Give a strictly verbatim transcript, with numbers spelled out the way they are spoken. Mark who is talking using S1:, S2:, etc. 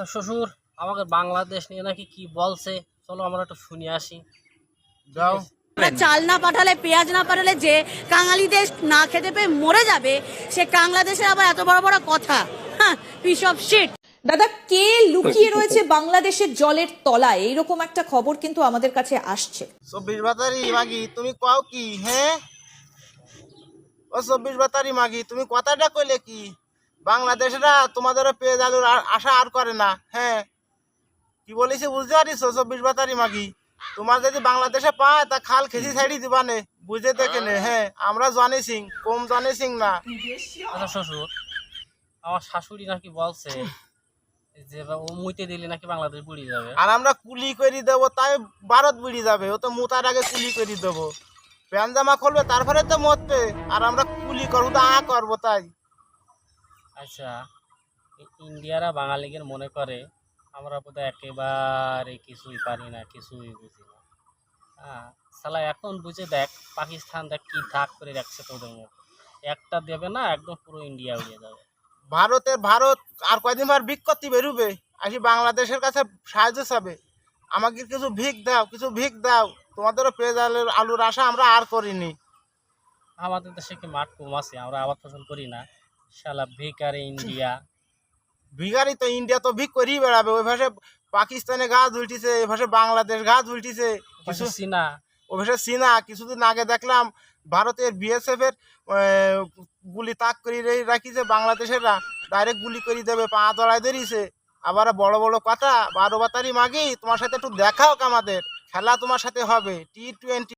S1: আচ্ছা শ্বশুর, আমাকে বাংলাদেশ নিয়ে নাকি কি বলছে, চলো আমরা একটু শুনে আসি।
S2: যাও।
S3: আমরা চাল না পাঠালে, পেঁয়াজ না পাঠালে যে কাঙালি দেশ না খেতে পেয়ে মরে যাবে, সে বাংলাদেশের আবার এত বড় বড় কথা। হ্যাঁ, পিস অফ শিট।
S4: দাদা, কে লুকিয়ে রয়েছে বাংলাদেশের জলের তলায়, এইরকম একটা খবর কিন্তু আমাদের কাছে আসছে।
S2: চব্বিশ বাতারি মাগি তুমি কও কি? হ্যাঁ ও চব্বিশ বাতারি মাগি, তুমি কথাটা কইলে কি? বাংলাদেশরা তোমাদের পেয়ে আলুর আর- আশা আর করে না। হ্যাঁ, কি বলেছি বুঝতে পারিস? চব্বিশ বাতারি মাগি, তোমার যদি বাংলাদেশে পায় তা খাল খেসি ছাড়ি দিবা নে, বুঝে দেখে নে। হ্যাঁ, আমরা জানি সিং, কম জানি সিং না।
S1: আচ্ছা শ্বশুর, আমার শাশুড়ি নাকি বলছে যে ও মুইতে দিলে নাকি বাংলাদেশ বুড়ি যাবে।
S2: আর আমরা কুলি করে দেবো, তাই ভারত বুড়ি যাবে। ও তো মুতার আগে কুলি করে দেবো, প্যান জামা খুলবে তারপরে তো মরবে। আর আমরা কুলি করবো তো আ করবো তাই।
S1: আচ্ছা, এই ইন্ডিয়ারা বাঙালিদের মনে করে আমরা বোধহয় একেবারে কিছুই পারি না, কিছুই বুঝি না। হ্যাঁ সালা, এখন বুঝে দেখ পাকিস্তান দেখ কি ধাক করে রাখছে তোদের মুখ, একটা দেবে না একদম পুরো ইন্ডিয়া উড়িয়ে যাবে।
S2: ভারতের ভারত আর কয়দিন পর ভিক করতে বেরোবে, আসি বাংলাদেশের কাছে সাহায্য চাবে। আমাকে কিছু ভিক দাও, কিছু ভিক দাও। তোমাদেরও পেঁয়াজ আলুর আলুর আশা আমরা আর করিনি।
S1: আমাদের দেশে কি মাঠ কম আছে, আমরা আবাদ ফসল করি না? শালা বেকারে ইন্ডিয়া।
S2: ভিখারি তো ইন্ডিয়া তো ভিক করেই বেড়াবে। ওই ভাষে পাকিস্তানে গাছ উল্টিছে, এই ভাষে বাংলাদেশ গাছ উল্টিছে, কিছু
S1: কিছু চীনা।
S2: ও ভাষে চীনা। কিছুদিন আগে দেখলাম ভারতের বিএসএফ এর গুলি তাক করে রাখিছে, বাংলাদেশেররা ডাইরেক্ট গুলি করে দেবে, পা তলায় ধরিছে। আবার বড় বড় কথা, বারো বাতারি মাগি তোমার সাথে একটু দেখাও, আমাদের খেলা তোমার সাথে হবে টি টোয়েন্টি।